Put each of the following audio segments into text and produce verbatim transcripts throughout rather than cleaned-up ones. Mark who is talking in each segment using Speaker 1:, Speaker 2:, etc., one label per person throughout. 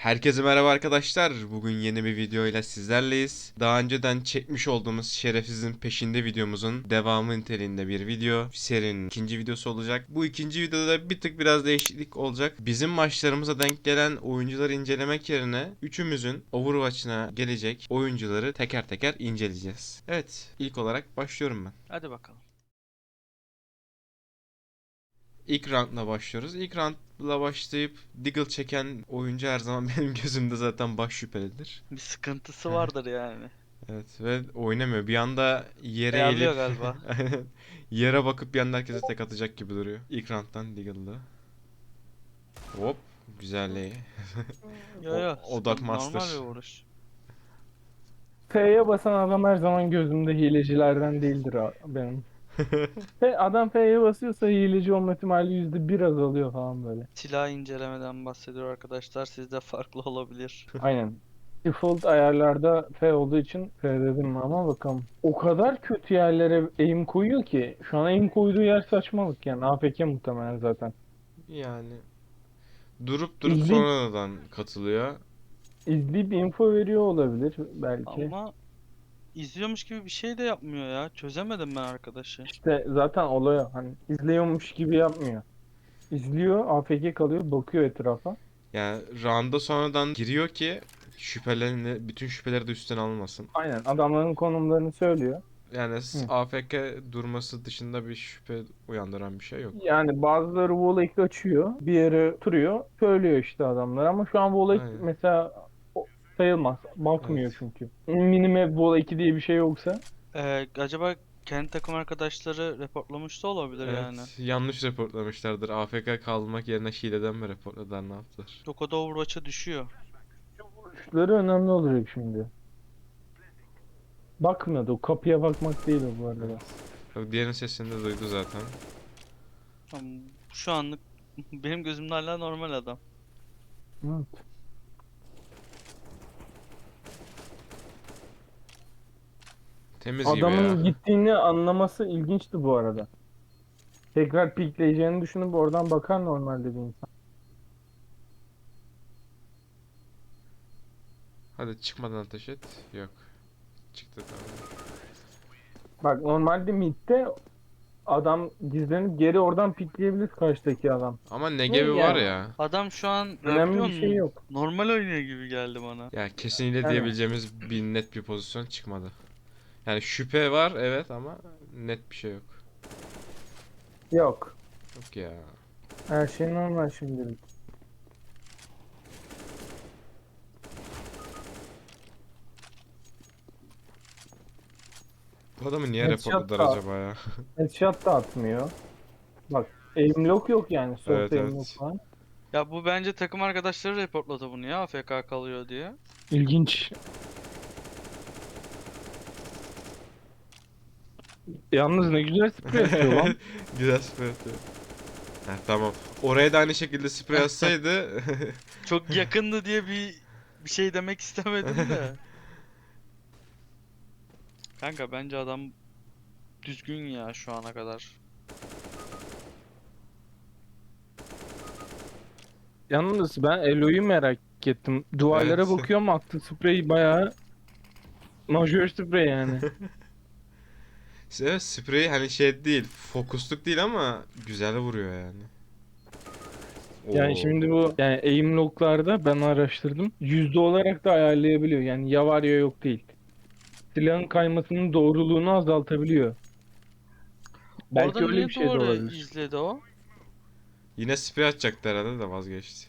Speaker 1: Herkese merhaba arkadaşlar. Bugün yeni bir video ile sizlerleyiz. Daha önceden çekmiş olduğumuz Şerefsizin Peşinde videomuzun devamı niteliğinde bir video. Serinin ikinci videosu olacak. Bu ikinci videoda da bir tık biraz değişiklik olacak. Bizim maçlarımıza denk gelen oyuncuları incelemek yerine üçümüzün Overwatch'ına gelecek oyuncuları teker teker inceleyeceğiz. Evet, ilk olarak başlıyorum ben.
Speaker 2: Hadi bakalım.
Speaker 1: İlk roundla başlıyoruz. İlk roundla başlayıp Deagle çeken oyuncu her zaman benim gözümde zaten baş şüphelidir.
Speaker 2: Bir sıkıntısı vardır yani.
Speaker 1: Evet ve oynamıyor. Bir anda yere eğilip
Speaker 2: Ayarlıyor galiba.
Speaker 1: yere bakıp bir anda herkese tek atacak gibi duruyor. İlk round'dan Deagle'da. Hop. Güzelliği.
Speaker 2: Yo
Speaker 1: O
Speaker 2: yo,
Speaker 1: odak
Speaker 2: sıkıntı normal bir
Speaker 1: master.
Speaker 2: vuruş.
Speaker 3: F'ye basan adam her zaman gözümde hilecilerden değildir a- benim. F, adam F'ye basıyorsa hileci olma ihtimali yüzde bir azalıyor falan böyle.
Speaker 2: Silah incelemeden bahsediyor arkadaşlar. Sizde farklı olabilir.
Speaker 3: Aynen. Default ayarlarda F olduğu için F dedim ama bakalım. O kadar kötü yerlere aim koyuyor ki şu an aim koyduğu yer saçmalık yani. A F K muhtemelen zaten.
Speaker 1: Yani durup durup
Speaker 3: İzleyip,
Speaker 1: sonradan katılıyor.
Speaker 3: izleyip info veriyor olabilir belki.
Speaker 2: Ama izliyormuş gibi bir şey de yapmıyor ya. Çözemedim ben arkadaşı.
Speaker 3: İşte zaten olay o. Hani izliyormuş gibi yapmıyor. İzliyor, A F K kalıyor, bakıyor etrafa.
Speaker 1: Yani round'a sonradan giriyor ki şüphelerini, bütün şüpheleri de üstten almasın.
Speaker 3: Aynen adamların konumlarını söylüyor.
Speaker 1: Yani s-
Speaker 3: Hı.
Speaker 1: A F K durması dışında bir şüphe uyandıran bir şey yok.
Speaker 3: Yani bazıları Volek açıyor, bir yere oturuyor, söylüyor işte adamlar ama şu an Volek
Speaker 1: Aynen.
Speaker 3: mesela o- sayılmaz. Bakmıyor
Speaker 1: Evet.
Speaker 3: çünkü. Minimap Vol iki diye bir şey yoksa.
Speaker 2: Ee, acaba kendi takım arkadaşları reportlamış da olabilir yani.
Speaker 1: Evet. Yanlış reportlamışlardır. A F K kalmak yerine hileden mi reportladılar, ne yaptılar?
Speaker 2: Dokoda Overwatch'a düşüyor.
Speaker 3: Şutları önemli olacak şimdi. Bakmıyordu. O kapıya bakmak değil o bu arada.
Speaker 1: Evet. Bak diğerinin sesini de duydu zaten.
Speaker 2: Ama şu anlık benim gözümde hala normal adam.
Speaker 3: Evet.
Speaker 1: Temiz gibi ya.
Speaker 3: Adamın gittiğini anlaması ilginçti bu arada. Tekrar pikleyeceğini düşünüp oradan bakar normalde bir insan.
Speaker 1: Hadi çıkmadan ateş et. Yok. Çıktı tamam.
Speaker 3: Bak normalde midde adam gizlenip geri oradan pikleyebilir karşıdaki adam.
Speaker 1: Ama
Speaker 3: Ne
Speaker 1: Negevi var
Speaker 3: yani?
Speaker 1: ya.
Speaker 2: Adam şu an ya
Speaker 3: Önemli
Speaker 2: biliyor
Speaker 3: bir şey
Speaker 2: musun?
Speaker 3: yok.
Speaker 2: Normal oynuyor gibi geldi bana.
Speaker 1: Ya kesinlikle
Speaker 3: Yani
Speaker 1: diyebileceğimiz bir net bir pozisyon çıkmadı. Yani şüphe var evet ama net bir şey yok.
Speaker 3: yok.
Speaker 1: Yok ya.
Speaker 3: Her şey normal şimdilik.
Speaker 1: Bu adamı niye
Speaker 3: Headshot
Speaker 1: reportladılar
Speaker 3: da,
Speaker 1: acaba ya?
Speaker 3: headshot da atmıyor. Bak aim lock yok yani. Soft
Speaker 1: Evet
Speaker 3: aim lock
Speaker 1: evet.
Speaker 3: falan.
Speaker 2: Ya bu bence takım arkadaşları reportladı bunu ya A F K kalıyor diye.
Speaker 3: İlginç. Yalnız ne güzel sprey atıyor lan.
Speaker 1: Güzel sprey atıyor. Ha, tamam. Oraya da aynı şekilde sprey atsaydı.
Speaker 2: Çok yakındı diye bir bir şey demek istemedim de. Kanka bence adam düzgün ya şu ana kadar.
Speaker 3: Yalnız ben Elo'yu merak ettim. Duvarlara
Speaker 1: Evet.
Speaker 3: bakıyorum attı sprey bayağı majör sprey yani.
Speaker 1: Evet, sprey hani şey değil, fokusluk değil ama güzel vuruyor yani.
Speaker 3: Yani
Speaker 1: Oo.
Speaker 3: şimdi bu yani aim lock'larda ben araştırdım. Yüzde olarak da ayarlayabiliyor. Yani ya var ya yok değil. Silahın kaymasının doğruluğunu azaltabiliyor.
Speaker 2: Orada
Speaker 3: Belki öyle bir
Speaker 2: niye
Speaker 3: şey de
Speaker 2: duvarı
Speaker 3: olabilir.
Speaker 2: izledi o?
Speaker 1: Yine sprey atacaktı herhalde de vazgeçti.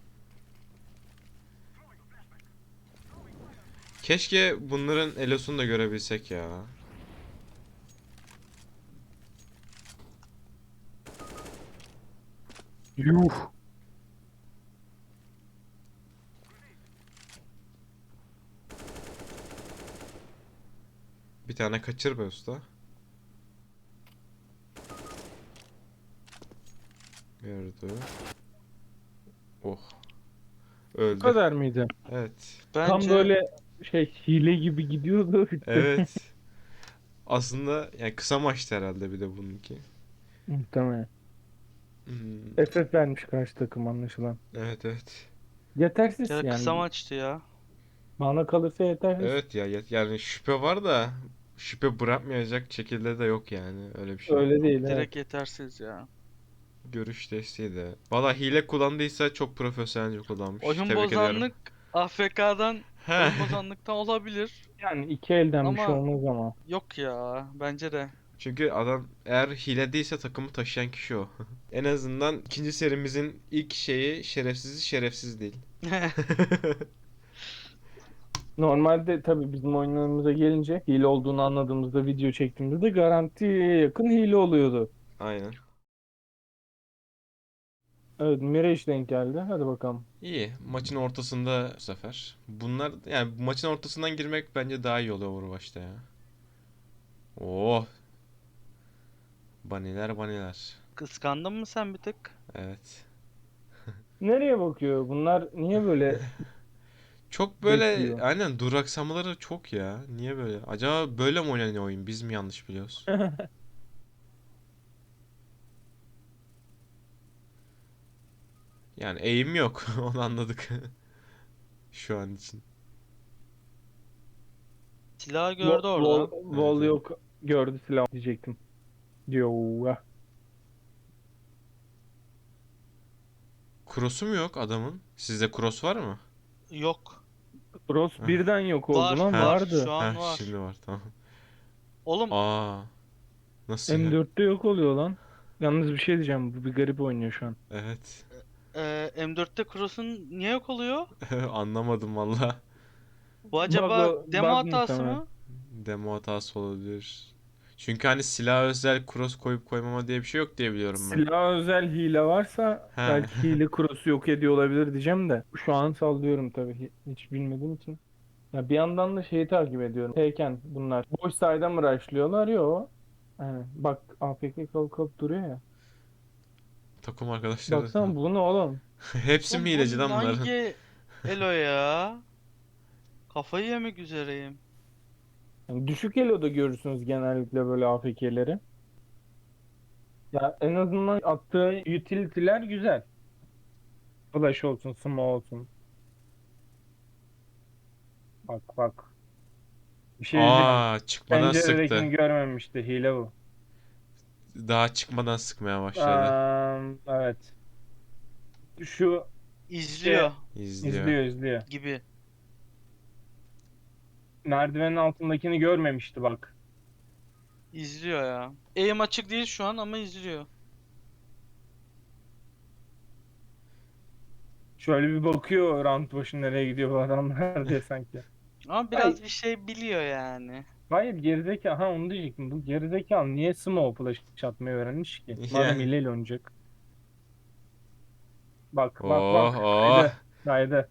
Speaker 1: Keşke bunların elosunu da görebilsek ya.
Speaker 3: Yuh.
Speaker 1: Bir tane kaçır be usta. Gördü. Oh.
Speaker 3: Bu
Speaker 1: Öldü.
Speaker 3: kadar mıydı?
Speaker 1: Evet.
Speaker 3: Tam
Speaker 2: Bence
Speaker 3: böyle şey hile gibi gidiyordu bitti.
Speaker 1: Evet. Aslında yani kısa maçtı herhalde bir de bununki.
Speaker 3: Muhtemelen.
Speaker 1: Hmm.
Speaker 3: F F vermiş karşı takım anlaşılan.
Speaker 1: Evet evet.
Speaker 3: Yetersiz
Speaker 2: Ya da kısa
Speaker 3: yani.
Speaker 2: maçtı ya.
Speaker 3: Bana kalırsa yetersiz.
Speaker 1: Evet ya ya- yani şüphe var da şüphe bırakmayacak şekilde de yok yani öyle bir şey.
Speaker 3: Öyle değil, evet.
Speaker 2: Direkt yetersiz ya.
Speaker 1: Görüş desteği de. Valla hile kullandıysa çok profesyonelce kullanmış.
Speaker 2: Oyun
Speaker 1: Tebrik ediyorum.
Speaker 2: bozanlık A F K'dan
Speaker 1: He.
Speaker 2: oyun bozanlıktan olabilir.
Speaker 3: Yani iki elden bir şey
Speaker 2: Ama
Speaker 3: olmaz ama.
Speaker 2: yok ya bence de.
Speaker 1: Çünkü adam eğer hile değilse takımı taşıyan kişi o. En azından ikinci serimizin ilk şeyi şerefsiz şerefsiz değil.
Speaker 3: Normalde tabii bizim oyunlarımıza gelince hile olduğunu anladığımızda video çektiğimizde garantiye yakın hile oluyordu.
Speaker 1: Aynen.
Speaker 3: Evet, Mirage denk geldi. Hadi bakalım.
Speaker 1: İyi. Maçın ortasında bu sefer. Bunlar yani maçın ortasından girmek bence daha iyi oluyor Overwatch'ta ya. Oh, baniler baniler.
Speaker 2: Kıskandın mı sen bir tık?
Speaker 1: Evet.
Speaker 3: Nereye bakıyor? Bunlar niye böyle
Speaker 1: Çok böyle
Speaker 3: bekliyor?
Speaker 1: aynen duraksamaları çok ya. Niye böyle? Acaba böyle mi oynanıyor oyun? Biz mi yanlış biliyoruz? Yani eğim yok. Onu anladık. Şu an için.
Speaker 2: Silahı
Speaker 3: Vol,
Speaker 2: gördü
Speaker 3: vol,
Speaker 2: orada.
Speaker 1: Evet,
Speaker 3: vol
Speaker 1: evet.
Speaker 3: yok. Gördü silah diyecektim. Diyor.
Speaker 1: Cross'u mu yok adamın? Sizde cross var mı?
Speaker 2: Yok.
Speaker 3: Cross
Speaker 1: Heh.
Speaker 3: birden yok oldu
Speaker 2: Var
Speaker 3: lan,
Speaker 1: Heh,
Speaker 2: var. Şu
Speaker 3: vardı.
Speaker 2: an
Speaker 1: heh,
Speaker 2: var.
Speaker 1: şimdi var tamam.
Speaker 2: Oğlum
Speaker 1: Aa, nasıl ya?
Speaker 3: M dörtte yok oluyor lan. Yalnız bir şey diyeceğim. Bu bir garip oynuyor şu an.
Speaker 1: Evet.
Speaker 2: e, M dörtte Cross'un niye yok oluyor?
Speaker 1: Anlamadım valla.
Speaker 2: Bu
Speaker 3: Bug,
Speaker 2: acaba demo
Speaker 3: bug
Speaker 2: hatası
Speaker 3: muhtemelen.
Speaker 2: mı?
Speaker 1: Demo hatası olabilir. Çünkü hani silah özel cross koyup koymama diye bir şey yok diye biliyorum ben.
Speaker 3: Silah özel hile varsa
Speaker 1: He.
Speaker 3: belki hile cross'u yok ediyor olabilir diyeceğim de. Şu an sallıyorum tabii. hi- Hiç bilmediğim için. Ya bir yandan da şeyi takip ediyorum. Tekken bunlar. Boş sayede mi rushlıyorlar? Yok. Yani bak, A F K kalıp kalıp duruyor ya.
Speaker 1: Takım arkadaşları.
Speaker 3: Baksana bu ne oğlum?
Speaker 1: Hepsi mi
Speaker 2: Oğlum
Speaker 1: hileci
Speaker 2: bu
Speaker 1: lan bunların?
Speaker 2: hangi elo ya? Kafayı yemek üzereyim.
Speaker 3: Yani düşük elo'da görürsünüz genellikle böyle A F K'leri. Ya en azından attığı utility'ler güzel. Flash olsun, smoke olsun. Bak bak. Bir şey diyeceğim.
Speaker 1: Aa, çıkmadan sıktı.
Speaker 3: Penceredekini görmemişti. Hile bu.
Speaker 1: Daha çıkmadan sıkmaya başladı.
Speaker 3: Aa, evet. Şu şey
Speaker 2: İzliyor
Speaker 1: İzliyor.
Speaker 3: izliyor izliyor.
Speaker 2: gibi.
Speaker 3: Merdivenin altındakini görmemişti bak.
Speaker 2: İzliyor ya. Aim açık değil şu an ama izliyor.
Speaker 3: Şöyle bir bakıyor round başı nereye gidiyor bu adamlar diye sanki.
Speaker 2: Ama
Speaker 3: Hayır,
Speaker 2: biraz bir şey biliyor yani.
Speaker 3: hayır gerizekalı. Ha, onu diyecektim. Bu gerizekalı niye smoke flash atmayı öğrenmiş ki? Madem
Speaker 1: Yani.
Speaker 3: hileyle oynayacak. Bak bak
Speaker 1: Oh
Speaker 3: bak.
Speaker 1: oh.
Speaker 3: Haydi. Haydi.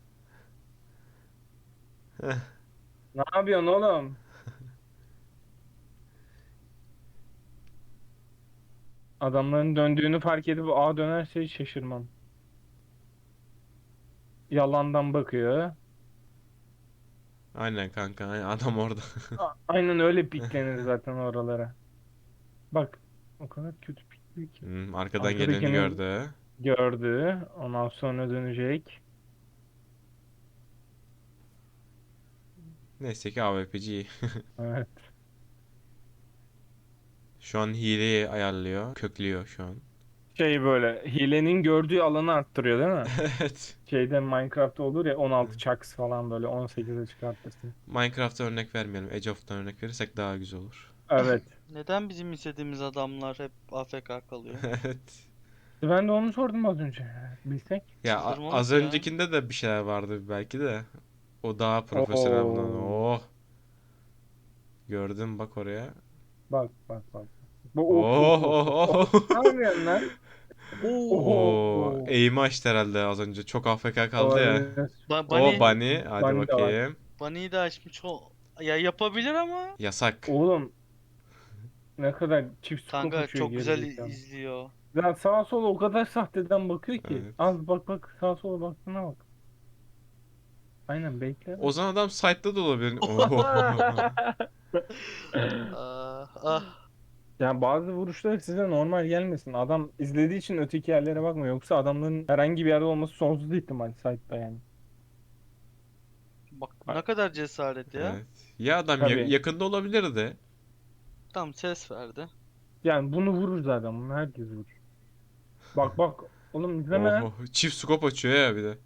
Speaker 1: Heh.
Speaker 3: Ne yapıyorsun oğlum? Adamların döndüğünü fark edip A dönerse hiç şaşırmam. Yalandan bakıyor.
Speaker 1: Aynen kanka. Aynen. Adam orada.
Speaker 3: A- Aynen öyle piklenir zaten oralara. Bak, o kadar kötü pikliyor ki.
Speaker 1: Hmm, arkadan geleni
Speaker 3: Arkadakini
Speaker 1: gördü.
Speaker 3: gördü. Ondan sonra dönecek.
Speaker 1: Neyse ki A W P G.
Speaker 3: Evet.
Speaker 1: Şu an hileyi ayarlıyor. Köklüyor şu an.
Speaker 3: Şey, böyle hilenin gördüğü alanı arttırıyor değil mi?
Speaker 1: Evet.
Speaker 3: Şeyde Minecraft olur ya, on altı chucks falan böyle on sekize çıkartırsın.
Speaker 1: Minecraft'a örnek vermeyelim. Age of'tan örnek verirsek daha güzel olur.
Speaker 3: Evet.
Speaker 2: Neden bizim istediğimiz adamlar hep A F K kalıyor?
Speaker 1: Evet.
Speaker 3: Ben de onu sordum az önce. Bilsek.
Speaker 1: Ya a- az
Speaker 2: Çıldırmalık ya.
Speaker 1: öncekinde de bir şeyler vardı belki de. O daha profesyonel bundan.
Speaker 3: Oo.
Speaker 1: Oh. Gördüm bak oraya.
Speaker 3: Bak bak bak. Bu of of
Speaker 1: Oh
Speaker 3: of of.
Speaker 1: oh
Speaker 3: of. Ne
Speaker 1: oh.
Speaker 3: yapıyorsun lan?
Speaker 1: Oo,
Speaker 3: Oho.
Speaker 1: eğimi açtı herhalde az önce. Çok A F K kaldı ya.
Speaker 3: Olabilir.
Speaker 2: Ba
Speaker 1: O
Speaker 2: Bunny,
Speaker 1: Bunny. Hadi
Speaker 3: Bunny de var.
Speaker 1: bakayım.
Speaker 2: Bunny'yi de açmış o. Ya yapabilir ama.
Speaker 1: Yasak.
Speaker 3: Oğlum, ne kadar çift scope
Speaker 2: Kanka
Speaker 3: uçuyor
Speaker 2: çok güzel
Speaker 3: gerizekalı.
Speaker 2: i- izliyor.
Speaker 3: Ya sağa sola o kadar sahteden bakıyor ki.
Speaker 1: Evet.
Speaker 3: Az bak bak, sağa sola baktığına bak. Aynen, bekle
Speaker 1: O
Speaker 3: lan.
Speaker 1: zaman adam site'da da olabilir. Oo.
Speaker 2: Ah, ah.
Speaker 3: Yani bazı vuruşlar size normal gelmesin. Adam izlediği için öteki yerlere bakmıyor. Yoksa adamların herhangi bir yerde olması sonsuz ihtimal site'da yani.
Speaker 2: Ne kadar cesaret ya.
Speaker 1: Evet. Ya adam ya-
Speaker 3: Tabii.
Speaker 1: yakında olabilirdi.
Speaker 2: Tam ses verdi.
Speaker 3: Yani bunu vurur zaten. Bunu herkes vurur. Bak bak. Oğlum izleme lan.
Speaker 1: Oho. Çift scope açıyor ya bir de.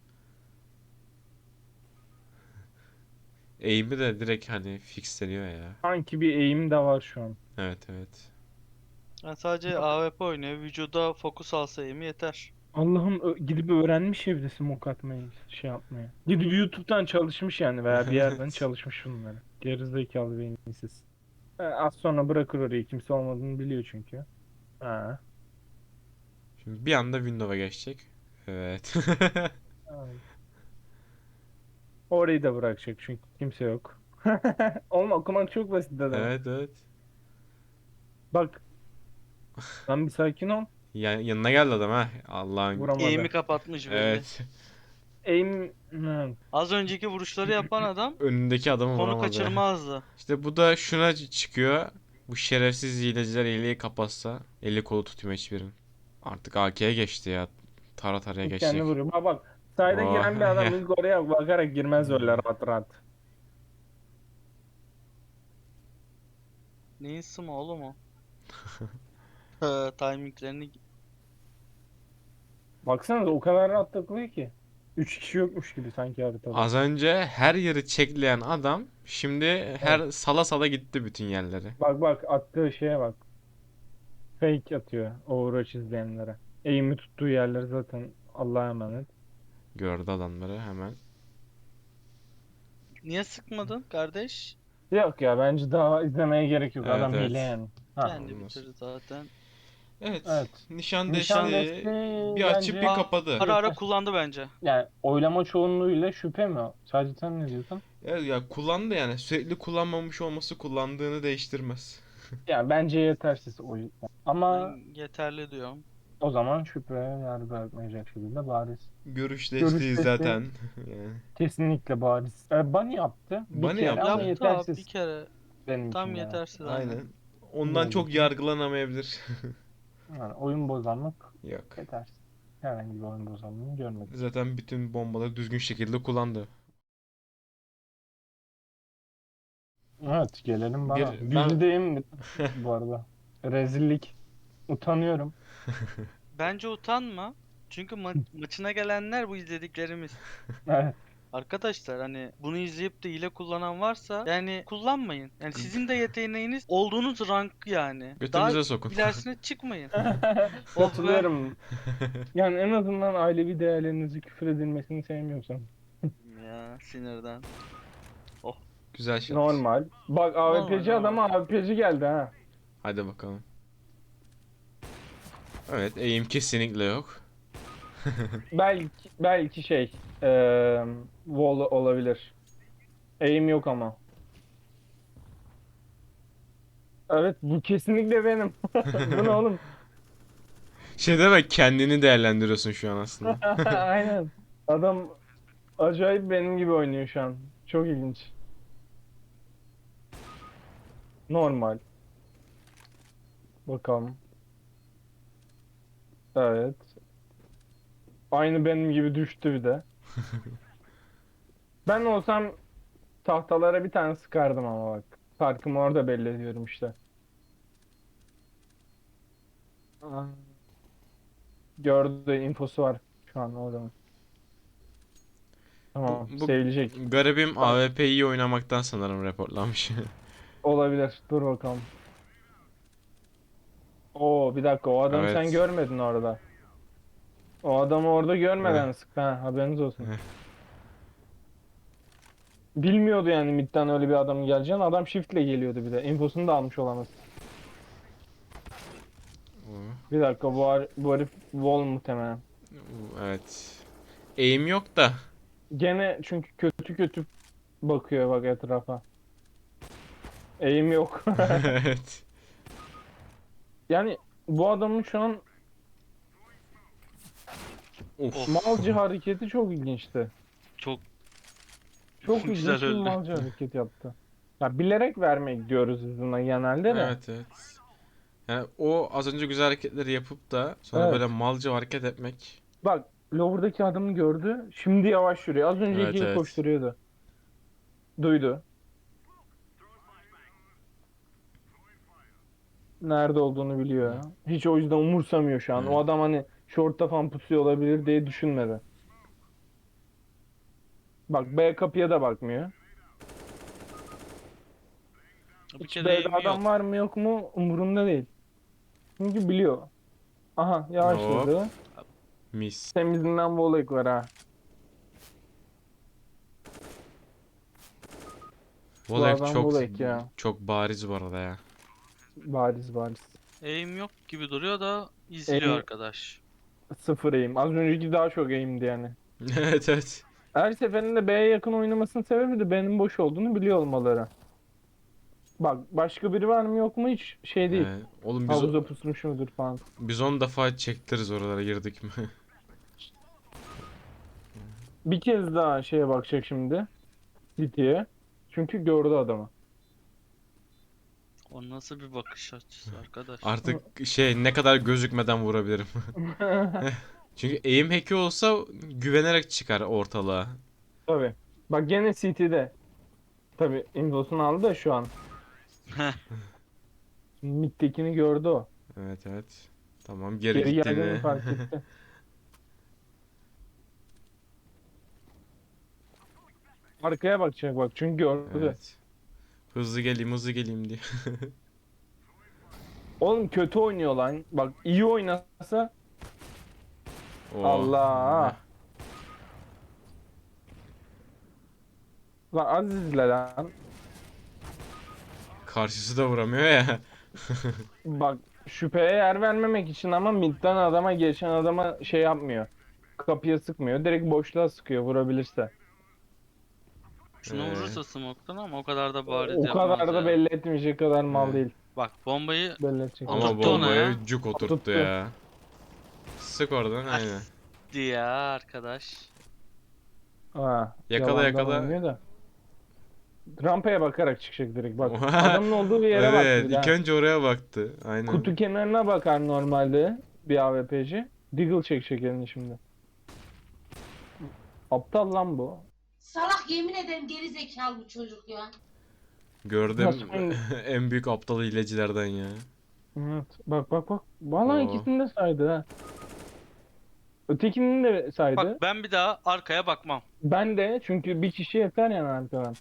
Speaker 1: Eğimi de direkt hani fixleniyor ya.
Speaker 3: Sanki bir eğim de var şu an.
Speaker 1: Evet evet.
Speaker 2: Yani sadece
Speaker 3: Bak.
Speaker 2: A W P oynuyor. Vücuda fokus alsa eğimi yeter.
Speaker 3: Allah'ım ö- gidip öğrenmiş evde smoke atmayı, şey yapmayı. Gidip YouTube'dan çalışmış yani veya bir yerden
Speaker 1: Evet.
Speaker 3: çalışmış bunları. Gerizekalı beyinsiz. Ha, az sonra bırakır orayı. Kimse olmadığını biliyor çünkü. Ha.
Speaker 1: Şimdi bir anda Windows'a geçecek. Evet.
Speaker 3: Aynen. Orayı da bırakacak çünkü kimse yok. Oğlum okumak çok basit dedim.
Speaker 1: Evet evet.
Speaker 3: Bak lan bir sakin ol.
Speaker 1: Ya, yanına geldi adam ha. Allah'ın.
Speaker 2: Eğimi
Speaker 3: Vuramadı.
Speaker 2: kapatmış belli.
Speaker 1: Evet.
Speaker 3: Aim... Hı.
Speaker 2: Az önceki vuruşları yapan adam
Speaker 1: Önündeki adamı
Speaker 2: konu
Speaker 1: vuramadı.
Speaker 2: kaçırmazdı.
Speaker 1: İşte bu da şuna ç- çıkıyor. Bu şerefsiz hileciler hileyi kapatsa eli kolu tutmuyor hiçbirin. Artık A K'ye geçti ya. Tara taraya
Speaker 3: İlk kendi
Speaker 1: geçecek.
Speaker 3: vuruyor. Bak bak. Sayda
Speaker 1: Oh,
Speaker 3: giren bir adam
Speaker 1: ya.
Speaker 3: ilk oraya bakarak girmez öyle rahat rahat.
Speaker 2: Neyin sıma oğlum o? Ee, timinglerini
Speaker 3: Baksana o kadar rahat takılıyor ki. Üç kişi yokmuş gibi sanki haritada.
Speaker 1: Az önce her yeri çekleyen adam şimdi
Speaker 3: Evet.
Speaker 1: her sala sala gitti bütün yerleri.
Speaker 3: Bak bak attığı şeye bak. Fake atıyor Overwatch izleyenlere. Aim'i tuttuğu yerler zaten Allah'a emanet.
Speaker 1: Gördü adamları hemen.
Speaker 2: niye sıkmadın kardeş?
Speaker 3: Yok ya bence daha izlemeye gerek yok.
Speaker 1: Evet
Speaker 3: Adam hile
Speaker 1: evet.
Speaker 3: yani. Ha.
Speaker 2: Kendi
Speaker 1: Olmaz.
Speaker 2: bitirir zaten.
Speaker 1: Evet.
Speaker 3: Evet.
Speaker 1: Nişan
Speaker 3: Nişan
Speaker 1: desteği
Speaker 3: desteği
Speaker 1: bir açıp bir
Speaker 3: bence
Speaker 2: Aa,
Speaker 1: kapadı.
Speaker 2: ara ara
Speaker 3: yeter.
Speaker 2: kullandı bence.
Speaker 3: Yani oylama çoğunluğuyla şüphe mi o? Sadece sen ne diyorsun?
Speaker 1: Evet ya kullandı yani. Sürekli kullanmamış olması kullandığını değiştirmez.
Speaker 3: Yani bence yetersiz oy. Ama
Speaker 2: Ben yeterli diyorum.
Speaker 3: o zaman şüphe yer bırakmayacak şekilde bariz.
Speaker 1: Görüş
Speaker 3: Görüş
Speaker 1: desteği
Speaker 3: desteği
Speaker 1: zaten. Yani.
Speaker 3: kesinlikle bariz. E, Bunny yaptı bir
Speaker 1: Bunny
Speaker 3: kere ama
Speaker 1: yaptı.
Speaker 2: Yaptı abi bir
Speaker 3: yetersiz
Speaker 2: kere.
Speaker 3: benim için
Speaker 2: Tam
Speaker 3: yani.
Speaker 2: yetersiz aynen.
Speaker 1: Aynen. Ondan
Speaker 3: Benim
Speaker 1: çok
Speaker 3: için.
Speaker 1: yargılanamayabilir.
Speaker 3: Yani oyun bozanlık
Speaker 1: Yok.
Speaker 3: yetersiz. Herhangi bir oyun bozanlığını görmedim.
Speaker 1: Zaten bütün bombaları düzgün şekilde kullandı.
Speaker 3: Evet gelelim bana.
Speaker 1: Bir ben
Speaker 3: Güldüğüm bu arada. Rezillik. Utanıyorum.
Speaker 2: Bence utanma. Çünkü ma- maçına gelenler bu izlediklerimiz.
Speaker 3: Evet.
Speaker 2: Arkadaşlar hani bunu izleyip de hile kullanan varsa yani kullanmayın. Yani sizin de yeteneğiniz olduğunuz rank yani. Daha
Speaker 1: götünüze sokun.
Speaker 2: ilerisine çıkmayın. Oh be.
Speaker 3: Katılıyorum. Yani en azından ailevi değerlerinizi küfür edilmesini sevmiyorsam.
Speaker 2: Ya sinirden. Oh
Speaker 1: Güzel shot.
Speaker 3: Normal. Bak
Speaker 2: normal
Speaker 3: A W P'ci
Speaker 2: normal.
Speaker 3: adama A W P'ci geldi ha.
Speaker 1: Hadi bakalım. Evet, eğim kesinlikle yok.
Speaker 3: Belki belki şey eee wall olabilir. Aim yok ama. Evet bu kesinlikle benim. Bu ne oğlum?
Speaker 1: Şey deme, kendini değerlendiriyorsun şu an aslında.
Speaker 3: Aynen. Adam acayip benim gibi oynuyor şu an. Çok ilginç. Normal. Bakalım. Evet. Aynı benim gibi düştü bir de. Ben olsam tahtalara bir tane sıkardım ama bak. Farkımı orada belli ediyorum işte. Aa, gördü infosu var şu an o zaman.
Speaker 1: Bu,
Speaker 3: Tamam
Speaker 1: bu
Speaker 3: sevilecek.
Speaker 1: garibim
Speaker 3: Bak
Speaker 1: A W P iyi oynamaktan sanırım reportlanmış.
Speaker 3: olabilir. Dur bakalım. Oo bir dakika o adamı sen
Speaker 1: Evet.
Speaker 3: görmedin orada. O adamı orada
Speaker 1: Eh,
Speaker 3: görmeden sıktı ha haberiniz olsun.
Speaker 1: eh.
Speaker 3: Bilmiyordu yani midden öyle bir adam geleceğini. Adam shiftle geliyordu bir de. Infosunu da almış olamaz.
Speaker 1: Oo,
Speaker 3: Bir dakika bu, har- bu herif wall muhtemelen.
Speaker 1: oo, evet. Eğim yok da.
Speaker 3: Gene çünkü kötü kötü bakıyor bak etrafa. Eğim yok.
Speaker 1: Evet.
Speaker 3: Yani bu adamın şu an
Speaker 1: Of.
Speaker 2: Of
Speaker 3: malcı hareketi çok ilginçti.
Speaker 2: çok
Speaker 3: Çok
Speaker 2: güzel
Speaker 3: ilginç bir
Speaker 2: öldü.
Speaker 3: malcı hareket yaptı. Ya bilerek vermek diyoruz biz buna genelde de.
Speaker 1: Evet evet. Yani o az önce güzel hareketleri yapıp da sonra böyle
Speaker 3: Evet.
Speaker 1: malca hareket etmek.
Speaker 3: Bak lower'daki adamı gördü. Şimdi yavaş yürüyor. Az önce
Speaker 1: Evet
Speaker 3: ikili
Speaker 1: evet.
Speaker 3: koşturuyordu. Duydu. Nerede olduğunu biliyor. Hiç o yüzden umursamıyor şu an. O
Speaker 1: Evet.
Speaker 3: adam hani short'ta falan pusuyor olabilir diye düşünmedi. Bak B kapıya da bakmıyor.
Speaker 2: Bir
Speaker 3: Hiç
Speaker 2: kere
Speaker 3: B'de
Speaker 2: eğimi
Speaker 3: adam
Speaker 2: yok.
Speaker 3: var mı yok mu umurunda değil. Çünkü biliyor. Aha
Speaker 1: Hop.
Speaker 3: yavaşladı.
Speaker 1: Mis.
Speaker 3: Temizinden volek var ha. Bu
Speaker 1: Volek
Speaker 3: adam
Speaker 1: çok
Speaker 3: volek ya.
Speaker 1: çok bariz bu arada ya.
Speaker 3: Bariz bariz.
Speaker 2: Eğim yok gibi duruyor da izliyor
Speaker 3: Aim,
Speaker 2: arkadaş.
Speaker 3: sıfır aim. Az önceki daha çok aim'di yani.
Speaker 1: Evet evet.
Speaker 3: Her seferinde B'ye yakın oynamasının sebebi de B'nin boş olduğunu biliyor olmaları. Bak başka biri var mı yok mu hiç şey değil.
Speaker 1: Ee, oğlum biz o-
Speaker 3: Havuza pusmuş mudur falan.
Speaker 1: biz on defa çektiririz oralara girdik mi?
Speaker 3: Bir kez daha şeye bakacak şimdi. City'ye. Çünkü gördü adamı.
Speaker 2: O nasıl bir bakış açısı arkadaş?
Speaker 1: Artık şey ne kadar gözükmeden vurabilirim. Çünkü aim hack'i olsa güvenerek çıkar ortalığa.
Speaker 3: Tabii. Bak gene City'de. Tabii infosunu aldı da şu an. Mid'dekini gördü o.
Speaker 1: Evet evet. Tamam geri
Speaker 3: Geri geldiğini
Speaker 1: gittiğini.
Speaker 3: fark etti. Arkaya bakacak bak çünkü gördü.
Speaker 1: Evet. Hızlı geleyim hızlı geleyim diye.
Speaker 3: Oğlum kötü oynuyor lan. Bak iyi oynasa
Speaker 1: Oo.
Speaker 3: Allah. Lan az izle lan.
Speaker 1: Karşısı da vuramıyor ya.
Speaker 3: Bak şüpheye yer vermemek için ama midden adama geçen adama şey yapmıyor. Kapıya sıkmıyor. Direkt boşluğa sıkıyor vurabilirse.
Speaker 2: Şunu
Speaker 1: Ee,
Speaker 2: vurursa smoke'tan ama o kadar da bariz
Speaker 3: O kadar
Speaker 2: yapmaz
Speaker 3: da
Speaker 2: ya.
Speaker 3: belli etmeyecek kadar mal
Speaker 1: Evet.
Speaker 3: değil.
Speaker 2: Bak bombayı
Speaker 3: Belli edecek.
Speaker 1: Ama
Speaker 2: Oturttu ona
Speaker 1: bombayı
Speaker 2: ya.
Speaker 1: cuk oturttu
Speaker 3: Oturttu.
Speaker 1: ya. Sık oradan aynen.
Speaker 2: As diye arkadaş.
Speaker 3: Ha,
Speaker 1: Yakala
Speaker 3: yalandan
Speaker 1: yakala.
Speaker 3: oynuyor da. Rampaya bakarak çıkacak direkt bak. Adamın olduğu bir yere baktı
Speaker 1: Evet
Speaker 3: bir
Speaker 1: ilk
Speaker 3: daha.
Speaker 1: önce oraya baktı. Aynen.
Speaker 3: Kutu kenarına bakar normalde bir A W P'ci. Deagle çekecek elini şimdi. Aptal lan bu.
Speaker 4: Salak yemin ederim geri zekalı bu çocuk ya.
Speaker 1: Gördüm
Speaker 3: Saçma.
Speaker 1: en büyük aptal hilecilerden ya.
Speaker 3: Evet. Bak bak bak. Vallahi
Speaker 1: Oo.
Speaker 3: ikisini de saydı ha. Ötekinin de saydı.
Speaker 2: Bak ben bir daha arkaya bakmam.
Speaker 3: Ben de çünkü bir kişi yeter yani arkadan.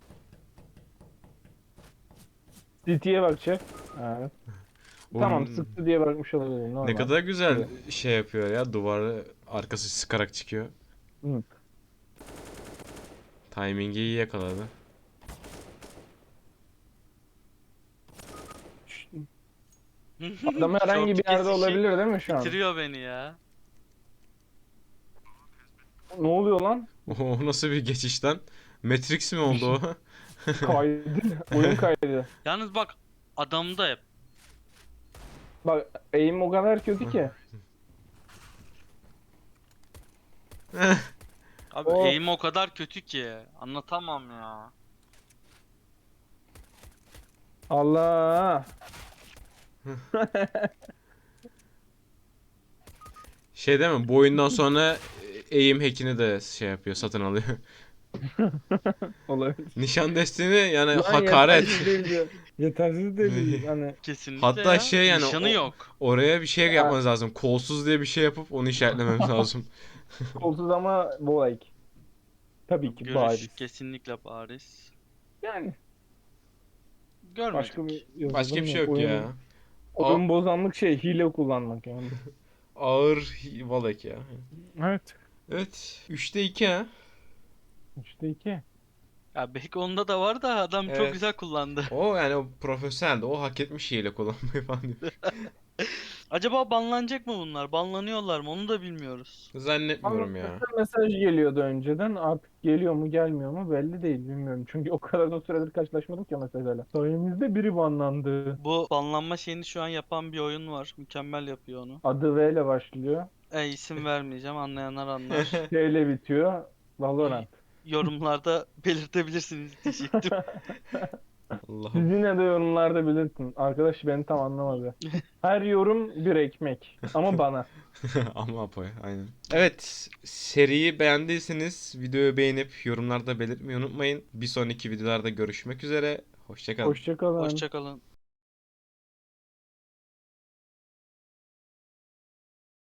Speaker 3: City'ye bakacak. Evet. Tamam
Speaker 1: Oğlum,
Speaker 3: sıktı diye bakmış olabilir. Normal.
Speaker 1: ne kadar güzel
Speaker 3: Evet.
Speaker 1: şey yapıyor ya duvarı arkası sıkarak çıkıyor.
Speaker 3: Hı.
Speaker 1: Timingi iyi yakaladı.
Speaker 3: Adam herhangi bir
Speaker 2: Short
Speaker 3: yerde
Speaker 2: kesişi
Speaker 3: olabilir değil mi şu an?
Speaker 2: Bitiriyor beni ya.
Speaker 3: Ne oluyor lan?
Speaker 1: O nasıl bir geçiş lan? Matrix mi oldu o?
Speaker 3: Kaydı. Oyun kaydı.
Speaker 2: Yalnız bak adamda hep.
Speaker 3: Bak aim o kadar kötü ki.
Speaker 2: Abi
Speaker 3: O-
Speaker 2: eğim o kadar kötü ki. Anlatamam ya.
Speaker 3: Allah.
Speaker 1: Şey değil mi? Bu oyundan sonra aim hack'ini de şey yapıyor, satın alıyor.
Speaker 3: Olabilir.
Speaker 1: Nişan destini yani
Speaker 3: Lan
Speaker 1: hakaret.
Speaker 3: yetersiz değil diyor. Yetersiz değil. Hani
Speaker 2: Kesinlikle
Speaker 1: Hatta
Speaker 2: ya.
Speaker 1: şey yani
Speaker 2: Nişanı
Speaker 1: o-
Speaker 2: yok.
Speaker 1: Oraya bir şey
Speaker 3: Ha.
Speaker 1: yapmanız lazım. Kolsuz diye bir şey yapıp onu işaretlememiz lazım.
Speaker 3: kolsuz ama volek. Tabii ki
Speaker 2: Görüş
Speaker 3: bariz.
Speaker 2: kesinlikle bariz.
Speaker 3: Yani
Speaker 2: Görmedik.
Speaker 3: başka bir yazılım
Speaker 1: Başka bir şey yok
Speaker 3: Oyun,
Speaker 1: ya.
Speaker 3: oyun bozanlık şey hile kullanmak yani.
Speaker 1: Ağır hi- valek ya.
Speaker 3: Evet.
Speaker 1: Evet. üçte iki ha.
Speaker 3: İşte iki.
Speaker 2: Ya belki onda da var da adam çok
Speaker 1: Evet.
Speaker 2: güzel kullandı.
Speaker 1: O yani o profesyoneldi. O hak etmiş hile kullanmayı falan diyor.
Speaker 2: Acaba banlanacak mı bunlar? Banlanıyorlar mı? Onu da bilmiyoruz.
Speaker 1: Zannetmiyorum ya.
Speaker 3: Mesela mesaj geliyordu önceden. Artık geliyor mu gelmiyor mu belli değil bilmiyorum. Çünkü o kadar da süredir karşılaşmadım ki o mesajlarla. Sayemizde biri banlandı.
Speaker 2: Bu banlanma şeyini şu an yapan bir oyun var. Mükemmel yapıyor onu.
Speaker 3: Adı V ile başlıyor.
Speaker 2: E isim vermeyeceğim. Anlayanlar anlar.
Speaker 3: T ile bitiyor. Valorant.
Speaker 2: Yorumlarda belirtebilirsiniz diyecektim.
Speaker 3: Siz
Speaker 1: Allah'ım.
Speaker 3: yine de yorumlarda belirtin. Arkadaş beni tam anlamadı. Her yorum bir ekmek. Ama bana.
Speaker 1: Ama Apo'ya aynen. Evet, seriyi beğendiyseniz videoyu beğenip yorumlarda belirtmeyi unutmayın. Bir sonraki videolarda görüşmek üzere. Hoşça kalın.
Speaker 3: Hoşça kalın.
Speaker 2: Hoşçakalın.